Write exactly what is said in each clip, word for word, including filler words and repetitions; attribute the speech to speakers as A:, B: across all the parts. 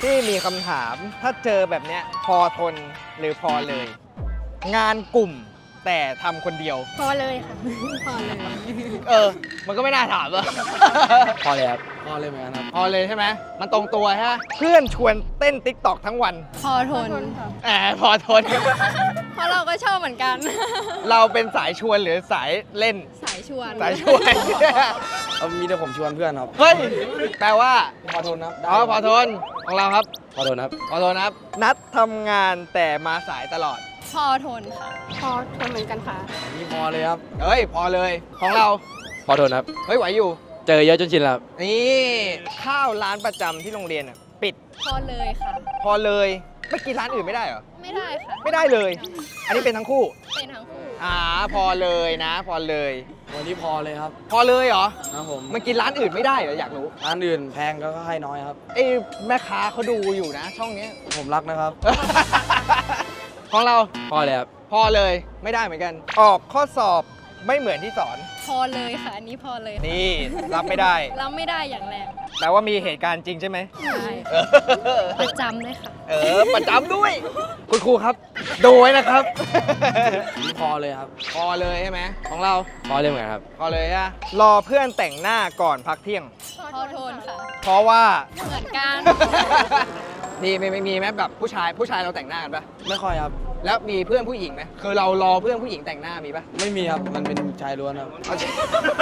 A: ที่มีคำถามถ้าเจอแบบเนี้ยพอทนหรือพอเลย งานกลุ่มแต่ทำคนเดียว
B: พอเลยค่ะ พอเลย
A: เออ มันก็ไม่น่าถามอะ
C: พอเลยครับพอเลยเหมือนกันครับ
A: พอเลยใช่ไหมมันตรงตัวฮะเพื่อนชวนเต้นติ๊กตอกทั้งวัน
B: พอทน
A: แหมพอทน
B: เพราะเราก็ชอบเหมือนกัน
A: เราเป็นสายชวนหรือสายเล่น
B: สายชวน
A: สายชวน
C: เอามีแต่ผมชวนเพื่อนครับ
A: เฮ้ย แปลว่า
C: พอทนครับได้
A: อ๋อพอทนของเราครับ
C: พอทนครับ
A: พอทนครับ นัดทำงานแต่มาสายตลอด
B: พอทนค่ะ พอทนเหมือนกันค่ะ
C: นี่พอเลยครับ
A: เฮ้ย พอเลยของเรา
C: พอทนครับ
A: เฮ้ย ไหวอยู่
C: เจอเยอะจนชินแล้วครับ
A: นี่ข้าวร้านประจำที่โรงเรียนอ่ะปิด
B: พอเลยค่ะ
A: พอเลยไม่กินร้านอื่นไม่ได้เหรอ
B: ไม่ได้ค่ะ
A: ไม่ได้เลย อันนี้เป็นทั้งคู่
B: เป็นทั้งคู่
A: อ่าพอเลยนะ พอเลย
C: วันนี้พอเลยครับ
A: พอเลยเหรอ
C: นะผม
A: มันกินร้านอื่นไม่ได้เหรออยากรู้
C: ร้านอื่นแพงก็ให้น้อยครับ
A: เอ้ยแม่ค้าเขาดูอยู่นะ ช่องเนี้ย
C: ผมรักนะครับ
A: ของเรา
C: พอเลยครับ
A: พอเลยไม่ได้เหมือนกัน ออกข้อสอบไม่เหมือนที่สอน
B: พอเลยค่ะ อันนี้พอเลยค่ะ
A: นี่รับไม่ได้
B: เราไม่ได้อย่างแรง
A: แต่ว่ามีเหตุการณ์จริงใช่ไหม
B: ใช่
A: เออ
B: ประจำเลยค่ะ
A: เออประจำด้วย คุณครูครับดูไว้นะครับ
C: นี่พอเลยครับ
A: พอเลยใช่ไหมของเรา
C: พอเลยเหมือนกันครับ
A: พอเลยฮะรอเพื่อนแต่งหน้าก่อนพักเที่ยง
B: พอทนค่ะ
A: เพราะว่า
B: เหมือนกัน
A: นี่ไม่ไม่มีไหมแบบผู้ชายผู้ชายเราแต่งหน้ากันปะ
C: ไม่ค่อยครับ
A: แล้วมีเพื่อนผู้หญิงไหมคือเรารอเพื่อนผู้หญิงแต่งหน้ามีปะ
C: ไม่มีครับ มันเป็นชายล้วนครับ
A: เอาสิ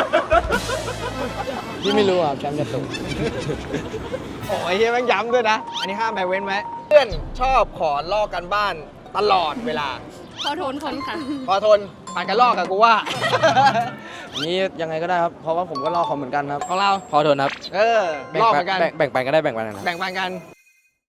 C: ที่ไม่รู้ครับแชมป์จะตก
A: โอ้ยเฮียแม่งย้ำด้วยนะ อันนี้ห้ามไปเว้นไว้เพื่อนชอบขอลอกกันบ้านตลอดเวลา
B: พอทนคนค่ะ
A: พอทนผ่านกันลอกกับกูว่า
C: นี่ยังไงก็ได้ครับ เพราะว่าผมก็รอเขาเหมือนกันครับ
A: ของเรา
C: พอทนครับ
A: เออ
C: แบ่ง
A: ลอก
C: ปั
A: เหมือนกัน
C: แบ่งแบ่งปันก็ได้แบ่งปันกันครับ
A: แบ่งปันกัน